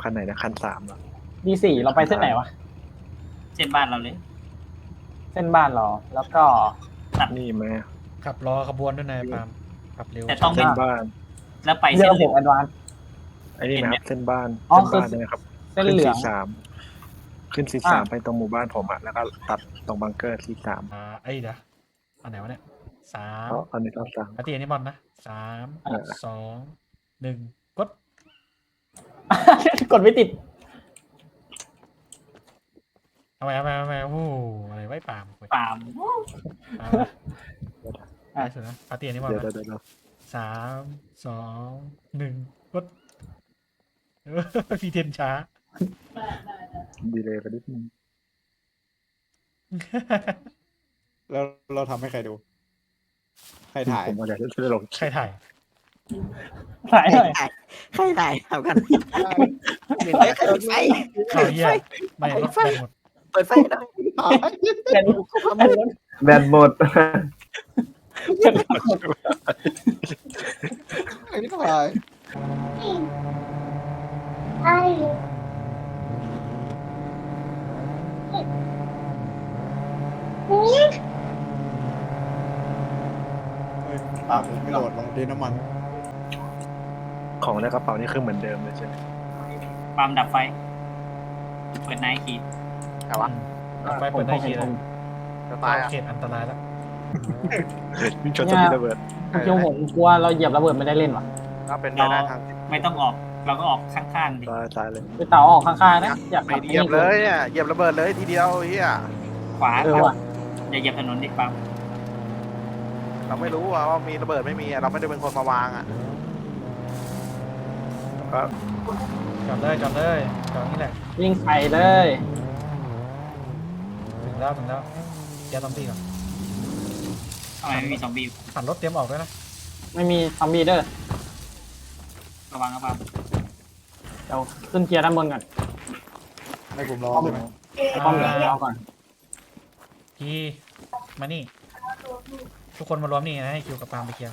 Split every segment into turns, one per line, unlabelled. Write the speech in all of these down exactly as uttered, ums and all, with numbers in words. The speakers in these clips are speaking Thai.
คันไหนนะคันสามเหรอ
ดีสี่เราไปเส้นไหนวะ
เส้นบ้านเราเลย
เส้นบ้านเราแล้วก็
นี่ไหม
ขับรอขบวนด้วยนายปาล์มขับเร็ว
แต่ต้อง
เส้นบ้าน
แล้วไป
เรื
เส้
อน
เห
ผ
ลื
ม
อง
แอดวานซ์
ไอ้นี่ไหมครับเส้นบ้าน
อ๋อ
เส้นบ้าน
คือ
นะครับ
เส้น
ขึ้น
เหลือ
สี่
ง
สามขึ้นสี่สามไปตรงหมู่บ้านผมอะแล้วก็ตัดตรงบังเกอร์สี่สาม
อ่าไอ้เดี๋ยวอันไหนวะเนี่ยสาม
เพราะอันนี้ต้องสั่ง
อาร์ตีอันนี้บอลนะสาม
เออ
สองหนึ่งกด
กดไม่ติด
เอาไปเอาไปเอาไปโอ้โหอะไรไว้ปาล์มเว้ย
ปาล์ม
ปาล์มได้สุดนะอาร์ตีอันนี้บอล
เดี๋ยว
นะ
เดี๋ยวเดี๋ยว
สามสองหนึ่งกดเออพี่เทนช้า
ดีเลยไปนิดนึง
แล้วเราทำให้ใครดู ใครถ่าย
ผมว่าเดี๋ยวจะลง
ใครถ่าย
ถ่ายหน่อย
ใครถ่ายทำกันเฮ้ยเปิดไฟ
ข่าวเยี่ยไม่รถแบนหมด
เปิดไฟหน่อย
เป็น
แบนหมด
ใครถ่าย เฮ้ยปากผมไม่โหลดลงดินน้ำมัน
ของในกระเป๋านี่คือเหมือนเดิมเลยใช่ไหม
ปาล์มดับไฟ เปิดไนท์คีย์
แต่ว่า
ไฟเปิดได้ทีเลย
จะตายอ่ะ
เขตอันตรายแล้ว
วิ่งชนต้นระเบิด
เมื่อกี้ผมกลัวเราเหยียบระเบิดไม่ได้เล่นว่ะ
ก็เป็นไปได้ทาง
ไม่ต้องออก เราก็ออกข้างๆดิ
ตายตายเลย
ไปเต่าออกข้างๆนะอยาก
ไม่เหยียบเลยเนี่ยเหยียบระเบิดเลยทีเดียวเฮีย
ขวา
เออว่ะ
อย่าเหยียบถนนดิปาล์ม
เราไม่รู้ว่ามีระเบิดไม่มีเราไม่ได้เป็นคนมาวางอ่ะ
ก็
จอดเลยจอดเลยจอดนี่แหละ
วิ่งไปเลย
ถึงแล้วถึงแล้วแกซอมบี้ก่อน
ทำไมไม่มีซอมบี้
หันรถเตรียมออกด้วยนะ
ไม่มีซอมบี้เด้อ
ระวังนะปาล์ม
เดี๋ยวขึ้นเกียร์ด้านบนก่อน
ให้ผมรอใช่ไหม
ป้อมเหลืองเอาก่อน
พี่มานี่ ทุกคนมารวมนี่นะให้คิวกับปาล์มไปเคลียร์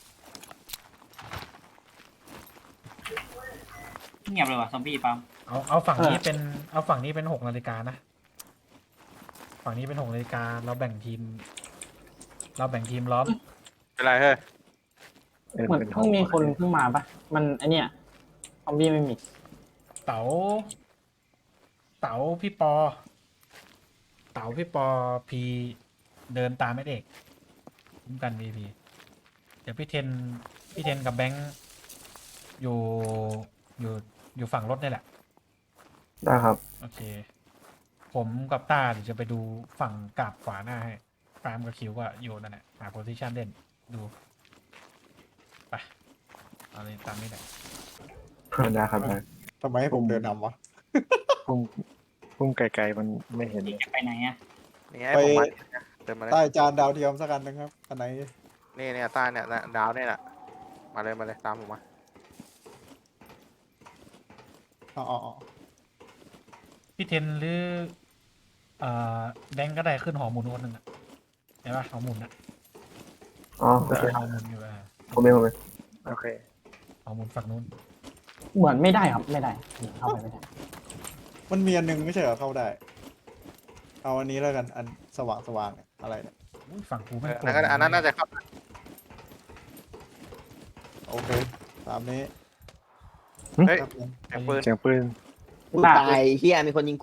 เงียบเลยว่ะซอมบี้ปาล์ม
เอาเอาฝั่งนี้เป็นเอาฝั่งนี้เป็นหกนาฬิกานะฝั่งนี้เป็นหกนาฬิกาเราแบ่งทีม เราแบ่งทีมล้อม
เป็นไรเฮ้ย
เออ
เหมือน
เป็น
เพิ่งมีคนเพิ่งมาปะมันไอเนี้ยซอมบี้ไม่มี
เต๋าเต๋าพี่ปอ เต๋าพี่ปอพีเดินตามไม่เอกคุ้มกันวีพีเดี๋ยวพี่เทนพี่เทนกับแบงค์อยู่อยู่อยู่ฝั่งรถนี่แหละ
ได้ครับ
โอเค ผมกับต้าเดี๋ยวจะไปดูฝั่งกาบขวาหน้าให้ปาล์มกับคิวก็อยู่นั่นแหละหาโพซิชันเล่นดูไปเอาเลยตามนี้แหละ
ได้ครับได้
ทำไมให้ผมเดินนำวะ
พุ่งพุ่งไกลๆมันไม่เห็นเลย
จะไปไหนอ่ะ
นี่ไงผมมาเดินมาเลย
ใต้จานดาวเทียมสักอันหนึงครับอันไหน
นี่เนี่ยใต้เนี่ยดาวเนี่ยแหละมาเลยมาเลยตามผมมา
อ๋ออ๋ออ๋อ
พี่เทนหรือเอ่อแบงค์ก็ได้ขึ้นหอหมุนคนหนึ่งอะเห็นปะหอหมุนอะ
อ๋อโอเค
หอหมุนอยู่อะ
ผมเองผมเอง
โอเค
หอหมุนฝั่งนู้น
เหมือนไม่ได้ครับไม่ได้เข้าไปไม่ได้
มันมีอันหนึงไม่ใช่เหรอเข้าได้ เอาอันนี้แล้วกันอันสว่างสว่างๆเนี่ยอะไรเนี่ย
อุ้ยฝั่งกูไม่
เออ
โกร
อัน
ธ
นั้นก็อันนั้นน่าจะเข้า
โอเคตามนี้
เฮ้ย
ครับผม
แอบปืน
เสียงปืน
กูตายเฮียมีคนยิงกู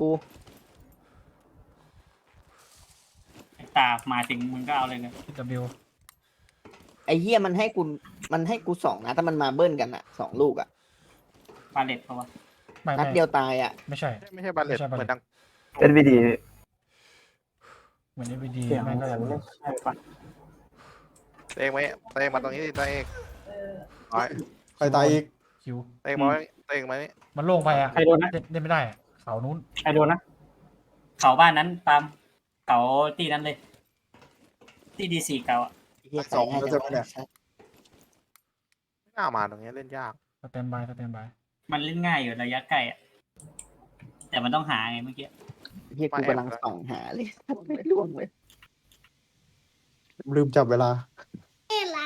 ไอ้ตามาถึงมึงก็เอาเลยเลย
พีดับบิว
ไอเฮียมันให้กูมันให้กูสองนะถ้ามันมาเบิ้ลกันอ่ะสองลูกอ่ะ
ปาเลตเพราะว่า
ไม่
นัด
ไม่
เดียวตายอ่ะ
ไม่ใช่
ไม่ใช่บัลเลต
ไม่ใช่บัลเลต
เหมือนดัง
เอ็นวีดี
เหมือนเอวีดี
เสียง
แม่งก็
เหมื
จะ
อนไม่ใช่ปะ
เตงไหมเตงมาตรงนี้ดิเตงร้อย
ใครตายอีก
คิว
เตงมาไว้เตงมานี่
มันโล่งไปอะ
ใครโดนนะ
เล่นเล่นไม่ได้อะเขานู้น
ใครโดนนะ
เขาบ้านนั้นปาล์มเขาตีนั้นเลย ตีดีสี่เก่าอ่ะ
เฮีย
สองแล้วจะไม่เนี่ย
ไม่น่ามาตรงนี้เล่นยาก
สแตนบายสแตนบาย
มันเล่นง่ายอยู่ระยะใกล้อ่ะ แต่มันต้องหาไงเมื่อกี้
เฮียกูกำลังส่องหาเลยไม่ล่วงเลย
ลืมจับเวลา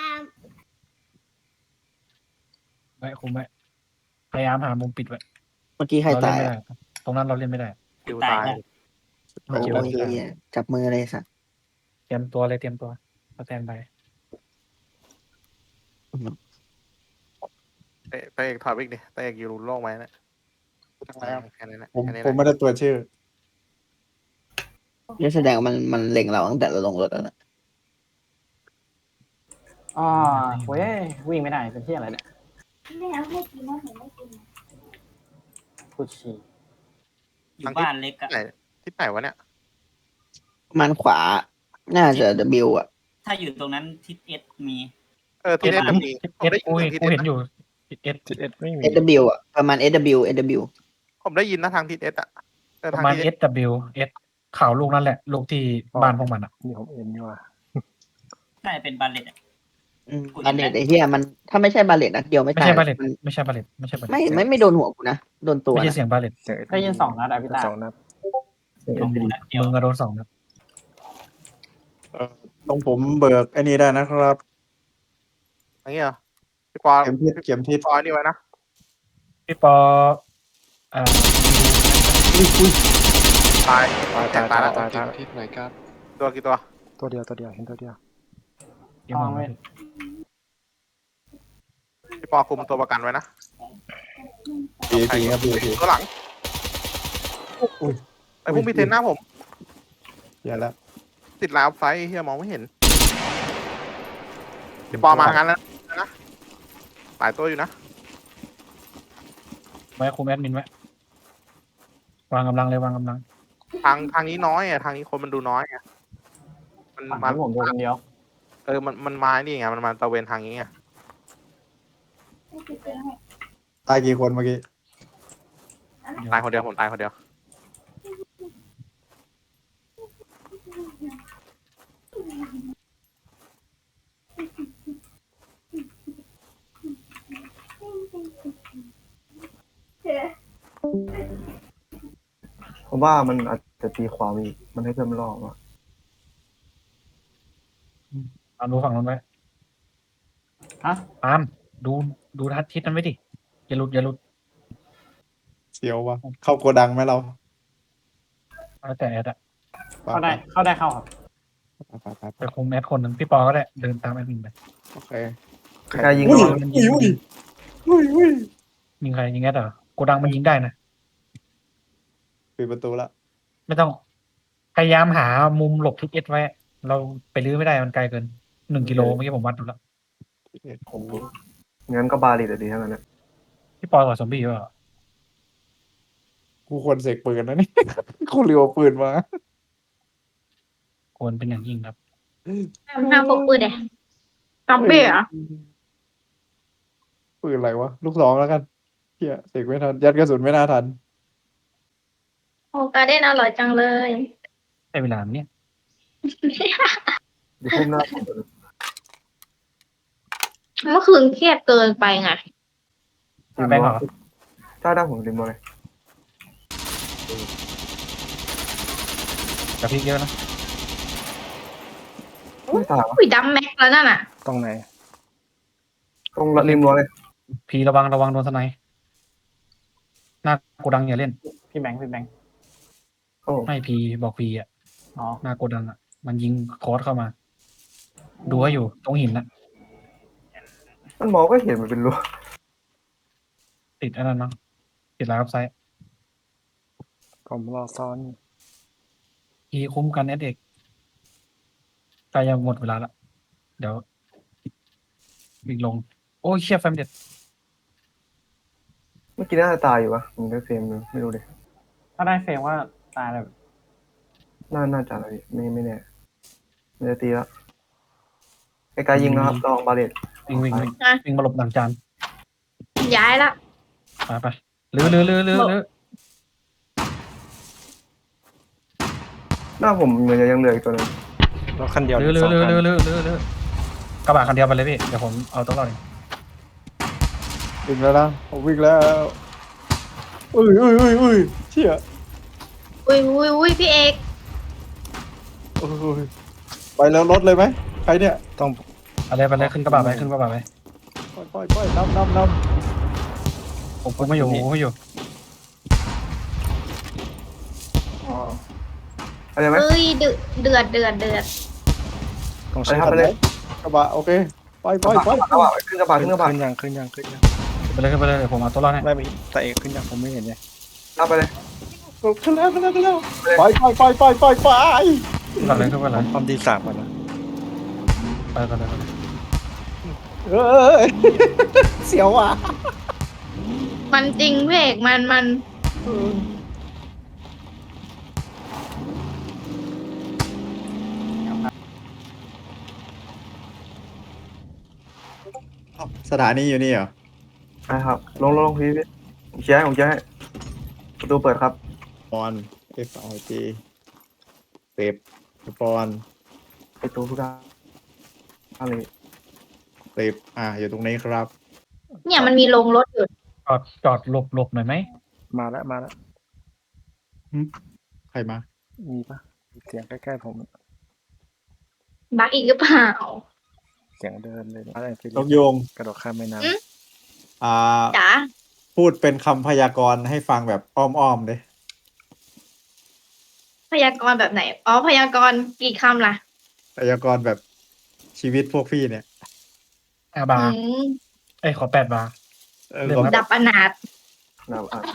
ไว้คุมไว้พยายามหามุมปิดไว้
มื่อกี้ใคร
เราเล่
ตาน ย
ไม่ได้
อะ
ตรงนั้นเราเล่นไม่ได้
คิวตายแล้ว
โอ้ยเหี้ยจับมือเลยสัตว์
เตรียมตัวเลยเตรียมตัวสแตนบาย
เตะเตะเอกถอยไปอีกดิเตะเอกอยู่โล่งไว้นะ
ทำไมครับ
แค่นั้นนะ
ผม
แค่นี้
ผม
นะ
ไม่ได้ตัวชื่อ
นี่แสดงว่ามันมันเล็งเราตั้งแต่เราลงรถแล้วนะ
อ๋อเว้ยวิ่งไม่ได้เป็นที่อะไรเนี่ย
ไม่เอาให้กินนะผมไม่กินนะ
พูดฉี่
อยู่บ้านเล็กอะ
ไหนที่ไหนวะเนี่ย
มันขวา น่าจะ W อ่ะ
ถ้าอยู่ตรงนั้นทิศเอสมี
เออที่เล่นจะมี
เอสกูกูเห็นอยู่เอส
ทิศเอสไม่มี
S W อ่ะประมาณ S W S W
ผมได้ยินนะทางทิศเอสอะเออ
ประ
ทาง
มาณ
ทิศ
เอส W S ข่าวลูกนั่นแหละ ลูกที่บ้านพวกมันอ่ะ
นี่ผมเอ็นนี่ว่า
น่าจะเป็นบาเลตอะ
อืมบาเลตไอ้เหี้ยมันถ้าไม่ใช่บาเลตนัดเดียวไม่
ไม่
ตาย
ใช่บาเลต
มัน
ไม่ใช่บาเลตไม่ใช่บาเลต
ไม่ไม่ไม่โดนหัวกูนะ โดนตัว
ไม่ใช่
นะ
เสียงบาเลต
เสียง
ได้ยินสองนัดอะพี่ตา
สองนัด
ลงนัดเดียว
มึงก็โดนสองนัด
เอ่อตรงผมเบิกไอ้นี่ได้นะครับ
อย่างเงี้ยเหรอพี่ปอ
เข็มทิศเข็มทิศ
พี่ปอนี่ไว้นะ
พี่ปอเอ่อ
ตาย
ตาย
แต
ตาย
กตา
ตาย ย
แล้ว
ตายตาย
ทิศไหนครับ
ตัวกี่ตัว
ตัวเดียวตัวเดียวเห็นตัวเดียว
พี่มองไม่
พี่ปอคุมตัวประกันไว้นะ
ปีปีครับปีปี
ตัวหลัง
อุ้ย
ไอ้พวกมีเทนหน้าผม
อย่าแล้ว
ติดลาวไซส์เฮียมองไม่เห็นพี่ปอมางั้นแล้วนะหลายตัวอยู่นะ
ไว้คุมแอดมินไว้วางกำลังเลยวางกำลัง
ทางทางนี้น้อยอ่ะทางนี้คนมันดูน้อยอ่ะมัน
ฝั่ง
มา
ที่ผมดูคนเดียว
เออมันมันมานี่ไงมันมาตะเวนทางนี้ไง
ไม่กินเป็นให้
ตายกี่คนเมื่อกี้
ตายคนเดียวผมตายคนเดียว
ผมว่ามันอาจจะตีความอีกมันให้เพิ่มรอบอ่ะ
ตามดูฝั่งนั้นไว้
ฮะ
ตามดูดูทัศทิศนั้นไว้ดิอย่าหลุดอย่าหลุด
เสียววะเข้าโกดังไหมเรา
เอาแต่แอดอะ
เข้าได้เข้าได้เข้าครับ
ไปไปไป
ไปคุมแอดคนหนึ่งพี่ปอก็ได้เดินตามแอดมินไป
โอเค
กายยิง
อุ้ย
เรา
อุ้ยอุ้ยอุ้ยอุ้ย
ยิงใครยิงแอดเหรอโกดังมันยิงได้นะ
ปิดประตูละ
ไม่ต้องพยายามหามุมหลบทิศเอสไว้ เราไปลื้อไม่ได้มันไกลเกินหนึ่งกิโลเมื่อกี้ผมวัดดูแล้ว
งั้นก็บาลีแต่ดีทั้งนั้นนะ
พี่ปอกับซอมบี้ว่า
กูควรเสกปืนนะนี่ กูเรียวปืนมา
ควรเป็นอย่างยิ่งครับ
ห้าพกปืนเดะซอมบี้เหรอ
ปืนอะไรวะลูกสองแล้วกันเฮียเสกไม่ทันยัดกระสุนไม่น่าทัน
โอ้การเด้นอร่อยจังเลย
ได้เวลาเนี่ย
เดี๋ยวพุ่มหน้าผม
เมื่อคืนเครียดเกินไปไง
แบงค์เหรอ
ถ้าได้ผมริมเลย
กับพี่เยอะนะ
ไม่ตายวะ
อุ้ยดำแม็กแล้วนั่นน่ะ
ตรงไหน
ตรงริมรั้วเลย
พีระวังระวังโดนสไนป์หน้าโกดังอย่าเล่น
พี่แบงค์พี่แบงค์
โอ้
ไม่พีบอกพีอ่ะ
อ๋อ
หน้าโกดังอ่ะ มันยิงคอร์สเข้ามา ดูให้อยู่ตรงหินนะ
มันมองก็เห็นมันเป็นรั้ว
ติดอันนั้นเนาะติดไลน์อัพไซต์
ผมรอซ้อน
พีคุ้มกันเอสเอกใกล้จะหมดเวลาละเดี๋ยววิ่งลง โอ้ยเชี่ยแฟมเด็ด
เมื่อกี้น่าจะตายอยู่วะผมได้เฟรมนึงไม่รู้เลย
ถ้าได้เฟรมว่าตายเลย
น่าน่าจะอะไรไม่ไม่แน่มันจะตีแล้วไอ้กายยิงนะครับลองบาเลต
วิ่งวิ่งวิ่ง
อ่ะ
วิ่งมาหลบหลังจาน
ย้ายละ
ไปไปลื้อลื้อลื้อลื้อลื้อ
หน้าผมเหมือนจะยังเหลืออีกตัวหนึง
รถคันเดียว
ลื้อลื้
ส
อ
อง
ลื้อ
คัน
ลื้อลื้อลื้อลื้อกระบะคันเดียวไปเลยพี่เดี๋ยวผมเอาตัวรอดเอง
วิ่งแล้วนะผมวิ่งแล้วอุ้ยอุ้ยอุ้ยอุ้ยเชี่ย
อุ้ยอุ้ยอุ้ยพี่เอก
โอ้ยไปแล้วรถเลยไหมใครเนี่ย
ต้อง
เอาเลยไปเลยขึ้นกระบะไปขึ้นกระบะไป
ปล่อยปล่อยปล่อยน้ำน้ำน้
ผมคุมไม่อยู่ผมคุมไม่อยู่
อะไรไหม
เอ้ยเดือดเดือดเดือดเดือด
ต้อง
ไป
ใช้
ครับไปเลย
กระบะโอเคไปไป
กระ
ไป
บะกระบะขึ้นกระบะ
ขึ้
ขึ้
น
นกระบะ
ขึ้นยังขึ้นยังขึ้นยังขึ้นยัง
ไปเลยขึ้นไปเลยเดี๋ยวผมเอาตัวรอดให้
ไม่ไม่แต่เอกขึ้นยังผมไม่เห็นไง
รับไปเลย
ขึ้นแล้วขึ้นแล้วขึ้นแล้วไปไปไปไปไปไป
ขึ้นก่อนเลยขึ้นก่อนเลย
ความดีสามก่อนนะ
ไปก่อนเลยไปก่อนเลย
เออเสียวอ่ะ
มันจริงเพกมันมัน
สถานีอยู่นี่เหรอ
ใช่ครับลงลงลงพี่พี่ผมเชียร์ให้ผมเชียร์ให้ประตูเปิดครับ
ปอน F I G เต็บปอน
ประตูทุกด้านอะไร
เต็บอ่าอยู่ตรงนี้ครับ
เนี่ยมันมีโรงรถอยู่
จอดจอดหลบหลบหน่อยไหม
มาแล้วมาแล้ว
ใครมา
มีปะเสียงใกล้ๆผม
บักอีกหรือเปล่า
เสียงเดินเลยอะไรฟิลิ
นกโยง
กระโดดข้ามแม่น้
อืม
อ่า
จ๋า
พูดเป็นคำพยากรณ์ให้ฟังแบบอ้อมๆเลย
พยากรณ์แบบไหน อ๋อ พยากรณ์กี่คำล่ะ
พยากรณ์แบบชีวิตพวกพี่เนี่ย
อาบา
อื
ร์
ม
เอ้ยขอแปดบาร์
เออ
เรียบ
ผม
ร้อย
ดับอนาถ
นะอ่ะ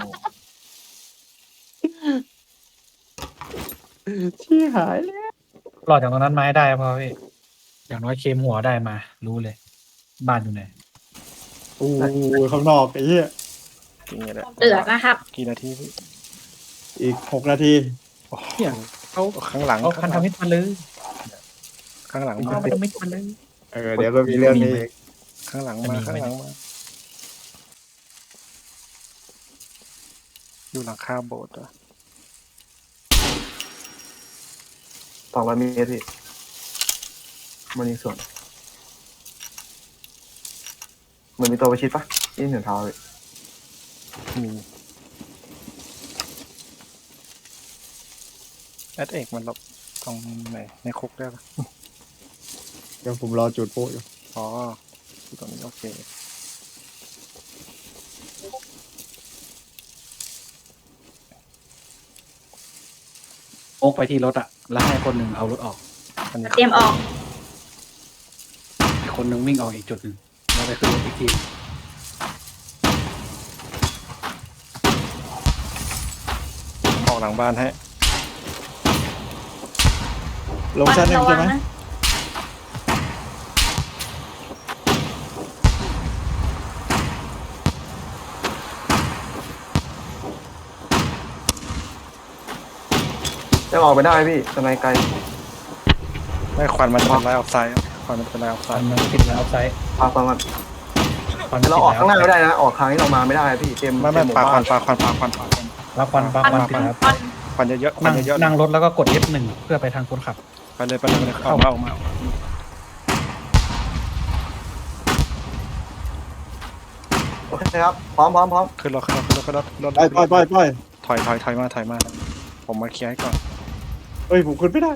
ที่หายแล้ว
รอดจากตรงนั้นมาให้ได้พอพี่อย่างน้อยเคมหัวได้มา รู้เลย บ้านอยู่ไหน
โอ้ยข้างนอกไอ้เหี้ย
ำจริงๆแหละ
เดือดนะครับ
กี่นาทีพี่
อีกหกนาที
โอ้โห
เนี่ยเขา
ข้างหลัง
เอาพันธมิตรมาเลย
ข้างหลัง
เอา
มา
พันธมิตรมาเลย
เออเดี๋ยวก็มีเรื่องนี้อีก
ข้างหลัง
จะ
มา
มี
ข้าง
ไหม
หลังมาอยู่หลังคาโบสถ์เหรอ
สองร้อยเมตรพี่มันมีส่วนมันมีตัวประชิดปะนี่เห็นเท้าเลย
มีแอดเอกมันหลบตรงไหนในคุกได้ปะ
เดี๋ยวผมรอจุดโป๊ะอยู่
อ๋ออยู่ตรงนี้โอเค
โอ๊กไปที่รถอะแล้วให้คนหนึ่งเอารถออก
อันนี้
เตรียมออก
อีกคนหนึ่งวิ่งออกอีกจุดหนึ่งแล้วไปขึ้นรถอีกที
ออกหลังบ้านให้
ลงชั้นหนึ่ง
ระวั
ใช่ไหม
นะ
จะออกไปได้พี่สไนไกล
ไม่ควันมันจะเป็นไลน์ออฟไซด์ควันมันจะเป็นไลน์ออฟไซ
พัน
ด์
มันติดแล้วไซด์
ปาฟังกัน
พัน
เราออกข้างหน้าไม่ได้นะ ออกทางที่เรามาไม่ได้พี่เต็ม
ไม่ไม่
เต็ห
ปลาควั
บ้าน
ปลาควันปลาควันปลาควัน
แล้วควันปลา
ค
ค
วั
วัน นติด
ควัน
แล้ว
ควัน
ควันเยอะๆควั
นั่
น
ง
เยอะ
นั่งรถแล้วก็กด เอฟ หนึ่งเพื่อไปทางคนขับ
ๆไปเลยไปเลยไปเลยเอามาเอามาเอามา
โอเคครับพร้อมพร้อมพร้อม
ขึ้นรถขึ้นรถขึ้นรถขึ้นรถรถ
ไปไปไปไป
ถอยถอยถอยมาถอยมาผมมาเคลียร์ให้ก่อน
เฮ้ยผมขึ้นไม่ได้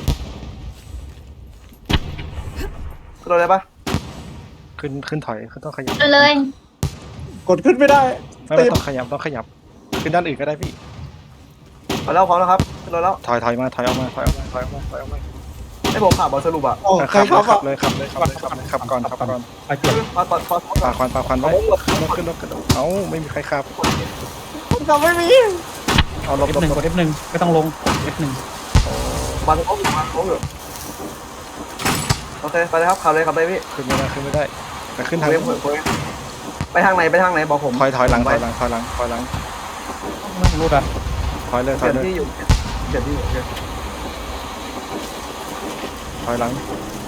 ขึ้นรถเลยปะ
ขึ้นขึ้นถอยขึ้นต้องขยับ
ไปเลย
กดขึ้นไม่ได้
ไม่ไม่ต้องขยับต้องขยับขึ้นด้านอื่นก็ได้พี่
เอาแล้วพร้อมแล้วครับขึ้นรถแล้ว
ถอยถอยมาถอยออกมาถอยออกมาถอยออกมาถอยออกมา
ให้ผมขับบอสรุปอ่ะ
โอ้ใคร
ขับ
ขับ
เลย
อ่ะ
ขับเลยขับเลยขับเลยขับเลยขับก่อนขับก่อน
ไปเปลี่ยน
มาก่อนพอ
ปลาควันปลาควันไว้ขึ้นรถขึ้นรถขึ้นรถเอ้าไม่มีใครขับ
ขับไม่มี
เอาลบ
เอฟ
ลบ
หนึ่ง
ล
ก
บ
ด เอฟ หนึ่งไม่ต้องลง เอฟ หนึ่ง
บังโค้งอยู่บังโค้งอยู่โอเคไปเลยครับขับเลยขับเลยพี่
ขึ้นไม่ได้ขึ้นไม่ได้ไปขึ้นทาง
เลี้ยงเผื่อเผื่อไปทางไหนไปทางไหนบอกผม
ถอยถอยหลังถอยหลังถอยหลังถอยหลัง
ไม่รู้อ่ะ
ถอยเลยถ
เป
อ
ลี่
ย
ยน
เลย
ที่อยู่เปลี่ยนที่อยู่โอเค
ถอยหลัง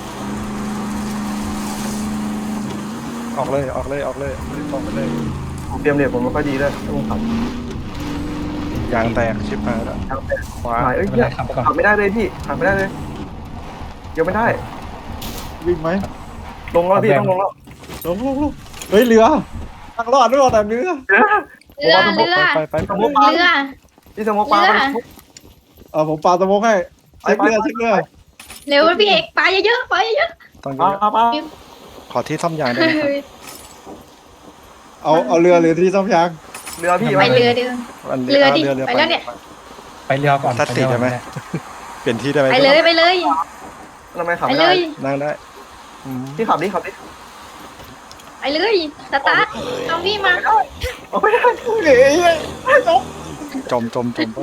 ออกเลยออกเลยออกเลยออกไปเลย
ผมเตรียมเหรียญผมไม่ค่อยดีด้วยต้องขับ
ยางแตกชิบหายแล้ว
ทางไป
ขวา
หายเอ้ย
ไม่
เหี้
ได้
ย
ขับไปก่อน
ขับไม่ได้เลยพี่ขับไม่ได้เลยเดี๋ยวไม่ได้
วิ่งไหม
ลงแล้วพี่ต้องลงแล้ว
ลงลงลงเฮ้ยเรือทางรอดด้วยแต่เรือ
เรือเรือ
ไปไปไป
เรือ
พี่สมองปลา
เรือ
เออผมปาสโมกให้เช็คเรือเช็คเรือ
เร็วพี่เอกไปเยอะๆไปเยอะ
ต้องเย
ปา
อะ
ปาปา
ขอที่ซ่อมยางได้ไหมครับ
เอาเอาเรือหรือที่ซ่อมยาง
เรือพี่
ๆไปเรือเรือ
อัน
เรือดิ
เรือเรือ
ไปแล้วเนี่ย
ไปเรือก่อน
ทัด
ไป
สี
เรือก่
ได้
อน
ไหม
ก็ด้
เปลี่ยนที่ได้ไหม
ไปเลยไปเลย
ทำไมขับ
ไป
ไม่
เล
ได้
ย
นั่งได้อืม
พี่ขับดิขับดิ
ไปเลยสตาร์ทซอมบี้มา
เอาไม่ได้เฮ้ยจบ
จมจมจมไป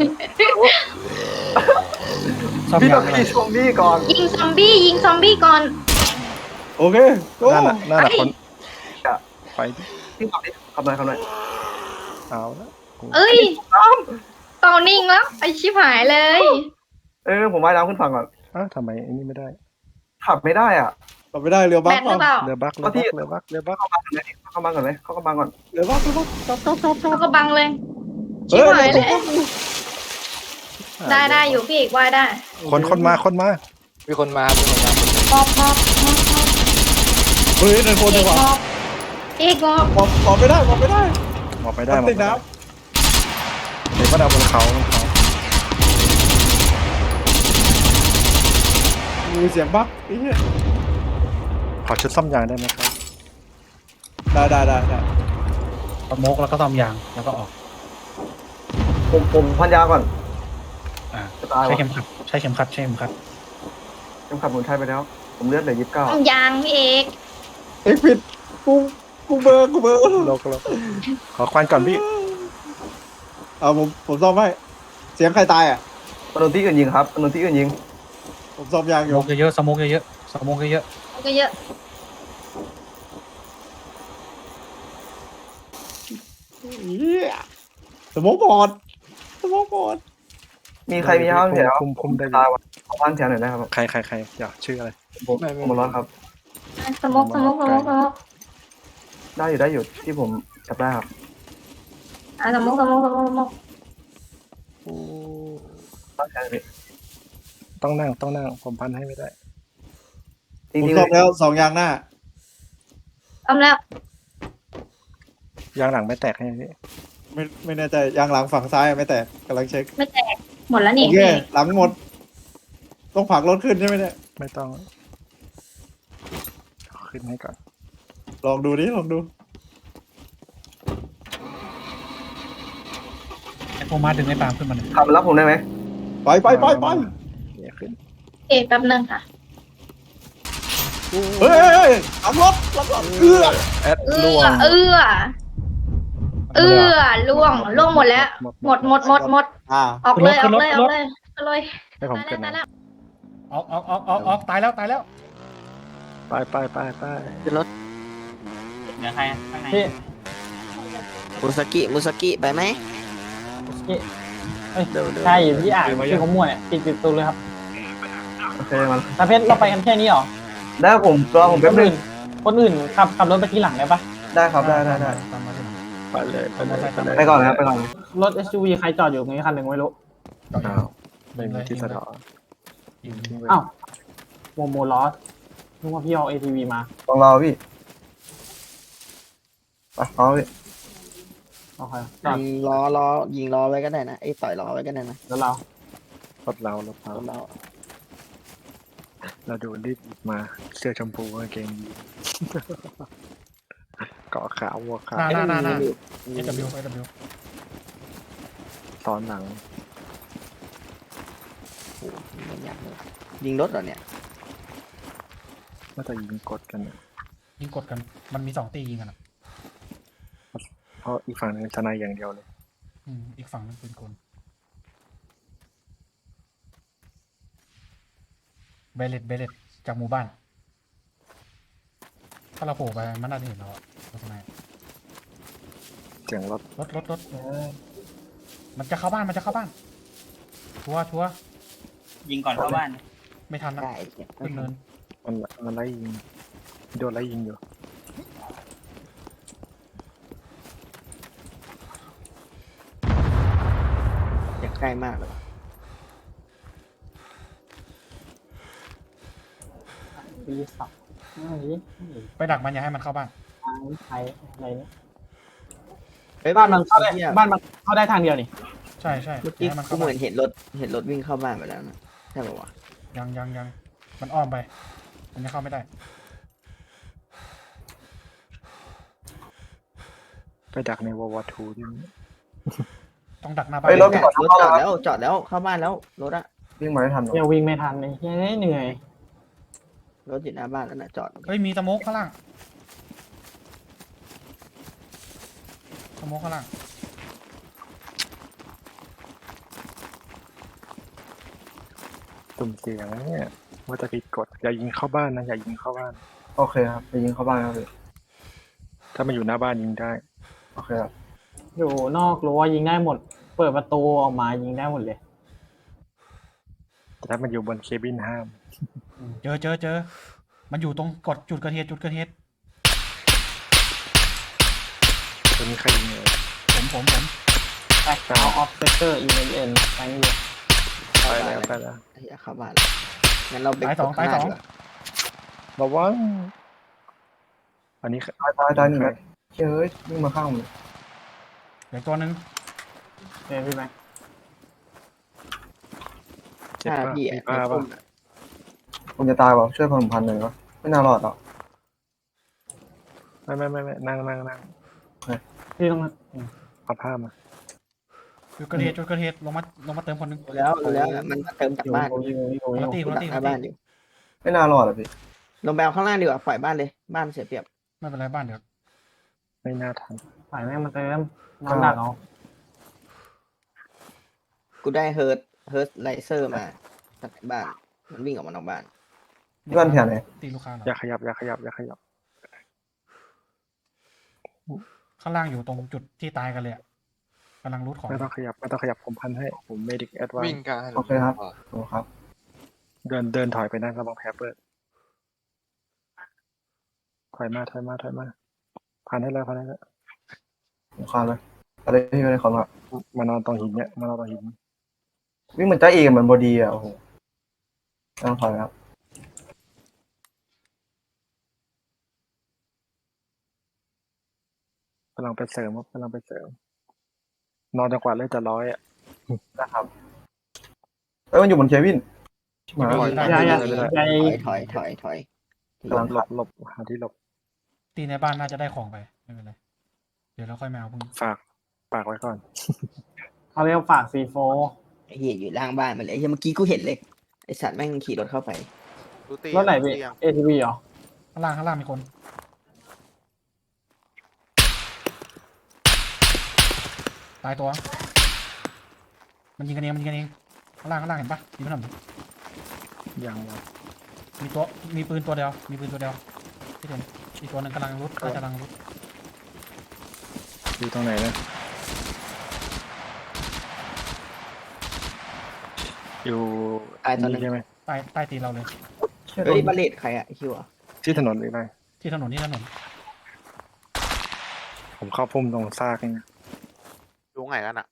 ซ่อม
พี่
ยา
ต้อง
งอะไร
พี่ชมพี่ก่อน
ยิงซอมบี้ยิงซอมบี้ก่อน
โอเคโก้
นั่นน่ะนั่นน่ะคนไปดิ
พี่ขับดิขับหน่อยขับหน่อย
เอาละ
เอ้ยต่อนิ่งแล้วไอชิบหายเลย
เออผมว่ายน้ำขึ้นฝั่งก่อน
อ้าวทำไมอันนี้ไม่ได้
ขับไม่ได้อ่ะ
ขับไม่ได้เรือ
แบ
บัก
ตหรือเปล่า
เรือบักเรือบักเรือบักเรือบัก
เข้ามาก่อนไหมเข้ามาก่อนไหมเข้ามาก่อน
เรือบักเรือบักจับจับจับจับ
เขาก็บังเลย
เฮ้
ชิบ
ย
หายเลย
เรือบัก
ได้ได้อยู่พี่เอกว่ายได้
คนคนมาคนมา
มีคนมามีคนมา
มอบมอบมอบมอบ
เฮ้ยในโคน
เอ
ดี
ก
กว่าม
อบเอกมอบ
มองมองไม่ได้มองไม่ได้
หมอบไปได้
มัน
หมอบ
ติด
ไปได้
น้
เดี๋ยวก็เอาบนเขาบนเขา
ำมีเสียงบักไอ้เหี้ย
ขอชุดซ่อมยางได้ไหมครับ
ได้ได้ได้ได้
สโมกแล้วก็ซ่อมยางแล้วก็ออก
ผมผมพันยาก่อน
อ่า
จะตาย
ใช้
วะ
เข็มขัดใช้เข็มขัดใช้เข็มขัด
ยังขับผมใช้ไปแล้ว ผมเลือดเหลือยี่สิบเก้า
ต้องยางพี่เอก
เอ็กผิดกูกูเบอร์กูเบอร์
โลกโลกขอควันก่อนพี่
เอาผมผมซ่อมให้เสียงใครตายอ่ะ
ถนนที่อื่นยิงครับถนนที่อื่นยิง
ผมซ่อมยาง
ส
อยู่
โมกเยอะๆสโมกเยอะๆสโมกเยอะ
มันก็เยอะ
เหี้ยสมองบอดสมองบอด
มีใครมีห้างแถว
คุมคุมได้
ตายว่ะขอบ้านแถวหน่อยนะครับ
ใครใครใครอยากชื่ออะไร
ผมผมมาร้อนครับ
สมกสมกสมกสมก
ได้อยู่ได้อยู่ที่ผมจับได้ครับ
อ่ะสมกสมกสมกสมก
บ้านแถวนี้
ต้องนั่งต้องนั่งผมพันให้ไม่ได้
จ
ผม
ริงๆ
ซ่อมแล้วสองยางหน้า
ทำแล้ว
ยางหลังไม่แตกให้พี่
ไม่ไม่แน่ใจยางหลังฝั่งซ้ายไม่แตกกำลังเช็ค
ไม่แตกหมดแล้ว
โอ
นี่
เค
พี่
หลังหมด ต้องผลักรถขึ้นใช่ไหมเนี่ย
ไม่ต้องขึ้นให้ก่อน
ลองดูดิลองดู
ๆไอ้โฟมาดึงไอ้ปาล์มขึ้นมาหน่อย
ขับมารับผมได้ไหม
ไปไปไปไป
เดี๋ยวขึ้น
เอกแป๊บนึงค่ะ
เฮ้ยเฮ้ยเฮ้ยหลังรถหลังรถเอื้อ
แอด
เอื้
ล่ว
อง เอื้อเอื้อล่วงล่วงหมดแล้ว หมดหมดหมดหมด
อ่า
ออกเลยออกเลยออกเลยออกเลย
ให้ผม
ตาย
เกิ
แล้ว
น
ตาย
นะ
แล้ว
ออกออกออกออกออกตายแล้วตายแล้ว
ไปไปไปไป
ขึ้นรถ
เหลือใครอะข้างใน
พี่
มุสกิมุสกิไปไหม
พี่เอ้ยใช่พี่อ่านชื่อของมวยปิดปิดตูเลยครับ
โอเคมัน
ตาเพชรเราไปกันแค่นี้เหรอ
ได้ผมรอผม
ค
แป๊บ
น
นึ
อื่
ง
นคนอื่นขับขับรถไปทีหลังได้ปะ
ได้ครับได้ได้ได้
ตามมาสิ
ไปเลยไปเลยไปเลย
ไปก่อนนะครับไปก่อน
รถ เอส ยู วี ใครจอดอยู่ตรงนี้คันหนึ่งไม่รู้
อ้าวไม่มีที่สะเดาะ
ยิง
ทิ้งไว้
อ้าวโมโมลอสนึกว่าพี่เอา เอ ที วี มา
ต้องรอพี่ไปรอพี่
โอเคจอด
ยิงล้อล้อยิงล้อไว้ก็ได้นะไอ้ต่อยล้อไว้ก็ได้นะ
แล้วเรา
รถเรารถเรา
รถเรา
เราดูรีบหยิบมาเสื้อชมพูกางเกงยีนเกาะขาววัวขา
ห
ว
น้าหน้าหน้าหน้าเอวเอว
ตอนหลัง
โอ้โหไม่อยากเลยยิงรถเหรอเนี่ย
น่าจะยิงกดกันนะ
ยิงกดกันมันมีสองตียิงกันอะ
เพราะอีกฝั่งหนึงทนายอย่างเดียวเลย
อืมอีกฝั่งนึงเป็นคนเบลเลตเบลเลตจากหมู่บ้าน ถ้าเราโผล่ไปมันน่าจะเห็นเราอะรถไหน
เสียงรถ
รถรถรถมันจะเข้าบ้านมันจะเข้าบ้านชัวร์ชัวร์
ยิงก่อนเข้าบ้าน
ไม่ทันนะ
ได้
ขึ้นเนิน
มันมันไล่ยิงโดนไล่ยิงอยู่
อยากใกล้มากเลย
ปีสับอะไรนี่
ไปดักมันอย่าให้มันเข้าบ้าน
ทางไทยอะไรนี่บ้านมันเข้าได้บ้านมันเข้าได้ทางเดียวนี่
ใช่ใช่
เมื่อ
อย่า
กี้
ให้มัน
กู
เข้า
เห
บ้า
มือน นเห็นรถเห็นรถวิ่งเข้าบ้านไปแล้วนะใช่ป่าวะ
ยังยังยังมันอ้อมไป มันจะเข้าไม่ได้
ไปดักในวอลวอทูดิ
ต้องดักหน้าบ้า
ไป
น
รถก่อน
รถจอดแล้วจอดแล้วเข้าบ้านแล้วรถอะ
วิ่งมาไม่ทันหรอก
เดี๋ยววิ่งไม่ทันเลยเฮ้ยเหนื่อย
รถอยู่หน้าบ้านแล้วนะจอด
เฮ้ยมีสโมกข้างล่างสโมกข้างล่าง
ตุ่มเสียงนะเนี่ยว่าจะผิดกฎอย่ายิงเข้าบ้านนะอย่ายิงเข้าบ้าน
โอเคครับไปยิงเข้าบ้านครับพี่
ถ้ามันอยู่หน้าบ้านยิงได้
โอเคครับ
อยู่นอกรั้วยิงได้หมด เปิดประตูออกมายิงได้หมดเลย
แต่ถ้ามันอยู่บนเคบินห้าม
เจอเจอเจอมันอยู่ตรงกดจุดเกิดเหตุจุดเกิดเหตุ
ตัวนี้ใครยิงเลย
ผมผมผม
แบ็คเอาออฟเซเตอร์อีเอ็นเอ็นไปนี่เลย
ไปแล้วไปแล้ว
ไอ้เหี้ยเข้าบ้านแล้วงั้นเราไป
ตายสอง
กด
ตาย
ข้
ส
ห
อง
น้ดีกว่า
ระวังอันนี้
ตายตายตายหนึ่งนัดเฮ้ยวิ่งมาข้างผมเลย
เหลือตัวหนึ่ง
เจอพี่แม็ก
เจ็บ
ใช่
ป่ะ
พี่
มี
อะ
ป้าป่ะ
ผมจะตายว่ะช่วยผมพันหนึ่งวะไม่น่ารอดหรอก
ไม่ไม่ไม่ไม่นั่งนั่งนั่ง
พี่ต้อง
เอาผ้ามา
จุดเกิดเหตุจุดเกิดเหตุลงมาลงมาเติมคนหนึ่ง
รู้แล้วรู้แล้วมันมาเติมจากบ้าน
อยู่อยู่อยู่
คนละตีคนละ
ดัก
ตี
ห
คน
น้า
ละ
บ้าน
ตี
อยู่
ไม่น่ารอดอ่ะพี่
ลงไปเอาข้างล่างดีกว่าปล่อยบ้านเลยบ้านเสียเปรียบ
ไม่เป็นไรบ้านเดี๋ยว
ไม่น่าทัน
ฝ่ายแม่งมาเติมน้ำหนักเอา
กูได้เฮิร์ตเฮิร์ตไลเซอร์มาจากบ้านมันวิ่งออกมานอกบ้าน
บ้านแถวไหน
ตีลูกค้าเหรอ
อย่าขยับอย่าขยับอย่าขยับ
ข้างล่างอยู่ตรงจุดที่ตายกันเลยอะกำลังรูดของ
ไม่ต้องขยับไม่ต้องขยับผมพันให้ผมเมดิกแอดวาน
วิ่งกัน
โอเคครับโอ้ครับ
เดินเดินถอยไปนะระวังแผลเปิดถอยมาถอยมาถอยมาพันให้แล้วพันให้แล้ว
ผมคานเลยอะไรพี่ไม่ได้ของอ่ะ
มานอนตรงหินเนี่ยมานอนตรงหิน
วิ่งเหมือนจ้าเอกเหมือนบอดีอ่ะโอ้โหต้องถอยครับ
กำลังไปเสริมครับกำลังไปเสริม นอนจังกว่าเลยจะร้อยอ่ะ
นะครับเอ้ยมันอยู่บนเควินชิบหาย
ได้
อย่าอย่า
ไม่ได้
อย่า
ถอยถอยถอยถอย
หลบหลบหลบหาที่หลบ
ตีในบ้านน่าจะได้ของไปไม่เป็นไรเดี๋ยวเราค่อยมาเอาพรุ่งนี้
ฝากฝากไว้ก่อน
เขาเรียกฝากซีโฟ
ไอ้เหี้ยอยู่ล่างบ้านมาเลยไอ้เหี้ยเมื่อกี้กูเห็นเลยไอ้สัตว์แม่งขี่รถเข้าไป
ดูตี
รถไหนพี่
ตียัง
เอทีวีเหรอ
ข้างล่างข้างล่างมีคนตายตัว มันยิงกันเองมันยิงกันเองข้างล่างข้างล่างเห็นปะยิงมันหน่อย
ยังวะ
มีตัวมีปืนตัวเดียวมีปืนตัวเดียวที่เห็นอีกตัวหนึ่งกำลังรุดน่าจะกำลังรุด
อยู่ตรงไหนนะอยู่
ตายตอนนั้น
ใช่ไหม
ใต้ใต้ตีนเราเลย
เฮ้ยบาเลตใครอะไอ้คิวอะ
ที่ถนนหรืออะไร
ที่ถนนที่ถนน
ผมเข้าพุ่มตรงซากนี่
ดูไงกันอ่ะ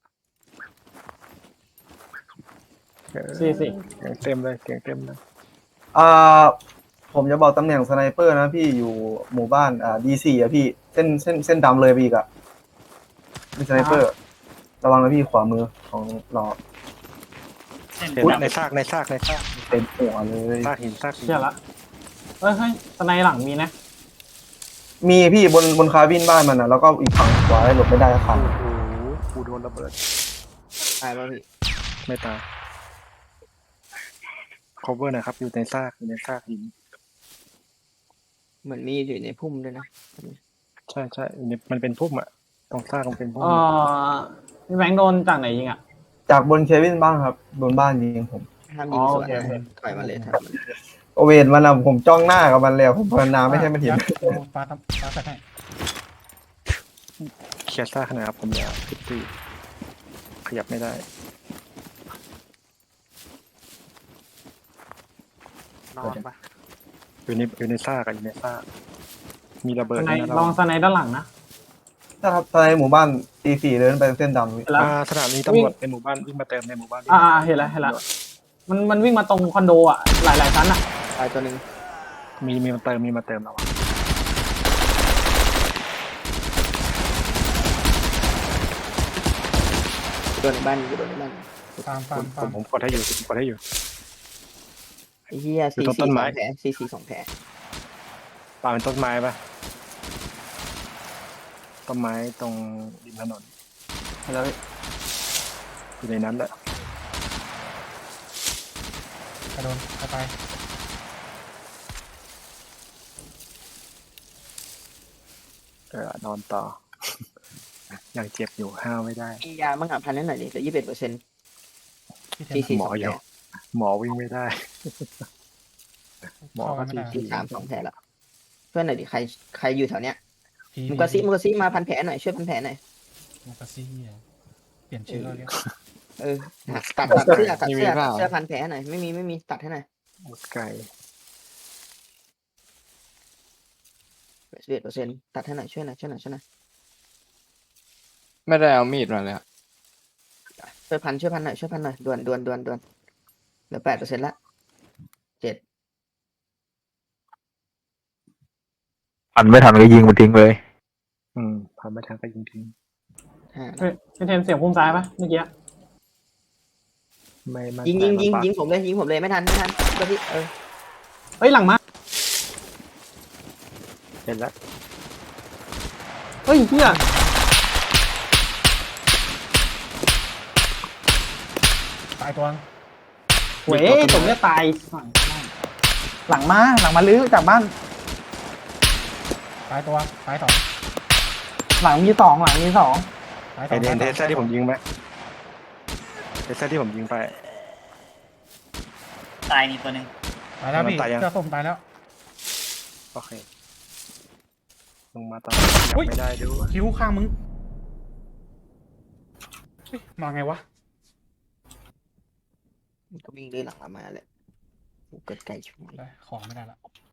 เออ
สี่สิ
เสียงเต็มเลยเสียงเต็มเลย
อ่าผมจะบอกตำแหน่งสไนเปอร์นะพี่อยู่หมู่บ้านอ่าดีซีอ่ะพี่เส้นเส้นเส้นดำเลยพี่อีกอ่ะมีสไนเปอร์ ระวังนะพี่ขวามือของเรา
เส้น
เห็น
ดำ
ในซากในซากในซาก
เต็มหัวเลย
ซากหินซากหิน
เชื่อละเฮ้ยเฮ้ยสไนหลังมีนะ
มีพี่บนบนคาบินบ้านมันนะแล้วก็อีกฝั่งขวาหลบไม่ได้คัน
โอ้โหกูโดนระเบิด
ตายป่ะพี่
ไม่ตาย cover หนะครับ อยู่ในซากอยู่ในซากหิน
เหมือนมีอยู่ในพุ่มด้วยนะ
ใช่ใช่อยู่ในมันเป็นพุ่มอะตรงซากมันเป็นพุ่ม
เออพี่แบงค์โดนจากไหนยิงอ่ะ
จากบนเควินบ้างครับบนบ้านยิงผม
ห้ามยิงสวน
อ๋อโอเค
นะถอยมาเลยถอยมาเลย
โอเวนมันอะผมจ้องหน้ากับมันแล้วผมภาวนาไม่ใช่มันเห็น
ยัดเอาปลาทำปลาใส่ให้
เคลียร์ซากขนาดครับผมยาวสิบสี่ขยับไม่ได้
นอนปะ
อยู่ในอยู่ในซากอะอยู่ในซากมีระเบิ
ส
ด
ไน
ด้วยนะ
ล
เรา
องสไนด้านหลังนะ
ถ้าครับตอนในหมู่บ้านตีสี่เดินไปเส้นดำพี่
เห็นแล้ว
อ่าสถานีตำรวจในหมู่บ้านวิ่งมาเติมในหมู่บ้าน
อ่าเห็นแล้วเห็นแล้วมันมันวิ่งมาตรงคอนโดอ่ะหลายหลายชั้นอ่ะ
ตายตัวหนึ่ง
มีมีมาเติมมีมาเติมเราอะ
โดนในบ้านอยู่โดนในบ้าน
ตามตา
ผม ม
ตา
ผม
ม
ผมกดให้อยู่ผมกดให้อยู่
ไอ้เหี้ย
อยู่
ซี
ตรง
ซี
ต้
ส
น
อ
ไม้
งแผลซีซีสองแผล
ป่าเป็นต้นไม้ปะต้นไม้ตรงริมถนน
เห็นแล้วพี่
อยู่ในนั้นแหละ
ระโดนเข้าไป
เออนอนต่อ ยังเจ็บอยู่ห้าวไม่ได้
มียาบ้างอ่ะพันนิดหน่อยดิเหลือยี่สิบเอ็ดเปอร์เซ็นต์
พี่เท
ที
น
สี่
หม
ส
อ
อง
อ
แผ
ยู่
ล
หมอวิ่งไม่ได้ หมอ
เข้า
ก็
ไม่
ที
ได้
ที
สามสองแผลละเพื่อนหน่อยดิใครใครอยู่แถวเนี้ย
พี
มุกาซิมุกาซิมาพันแผลหน่อยช่วยพันแผลหน่อย
มุกาซี่อ่ะเปลี่ยนชื่อแล้วเรียก
เออตัดตัดเสื้อตัดเสื้อตัดเสื้อพันแผลหน่อยไม่มีไม่มีตัดให้หน่อย
ไก่
สิบเอ็ดเปอร์เซ็นต์ตัดให้หน่อยช่วยหน่อยช่วยหน่อยช่วยหน่อย
ไม่ได้เอามีดมาเลยอะ
ช่วยพันช่วยพันหน่อยช่วยพันหน่อยด่วนด่วนด่วนด่วนเหลือแปดเปอร์เซ็นต์ละเจ็ด
พันไม่ทันก็ยิงมันทิ้งเลย
อืมพาไม่ทันก็ยิงทิ้ง
ห้า
เฮ้ยพี่เทนเสียงพุ่มซ้ายปะเมื่อกี้
ไม่ไม่
ยิงยิงยิง
มันปัก
ยิงผมเลยยิงผมเลยไม่ทันไม่ทันก็ที่เออ
เฮ้ยหลังมา
เห็นแล้ว
เฮ้ยเฮีย
ตายตัวนึง
เว้ยผมจะตายหลังมาหลังมาลื้อจากบ้าน
ตายตัวตายสอง
หลังมีสองหลังมีสอง
ตายส
ไอ
อง
เดนเท
ตาย
ส
ส
เซ
อ
อง ร์ที่ผมยิงไหมเทสเซอร์ที่ผมยิงไป
ตายนี่ตัวหนึ่ง
ตายแล้วพี่
ตายยัง
เสื้อส้มตายแล้ว
โอเคลงมาตอนนี้ยั
อุ๊
ง
ย
ไม่ได้ดู
คิ้วข้างมึงเฮ้ยมาไงวะ
ก็วิ่งด้วยหลังมาแหละเกิดไก่ช่วย
ได้ของไม่ได้ละ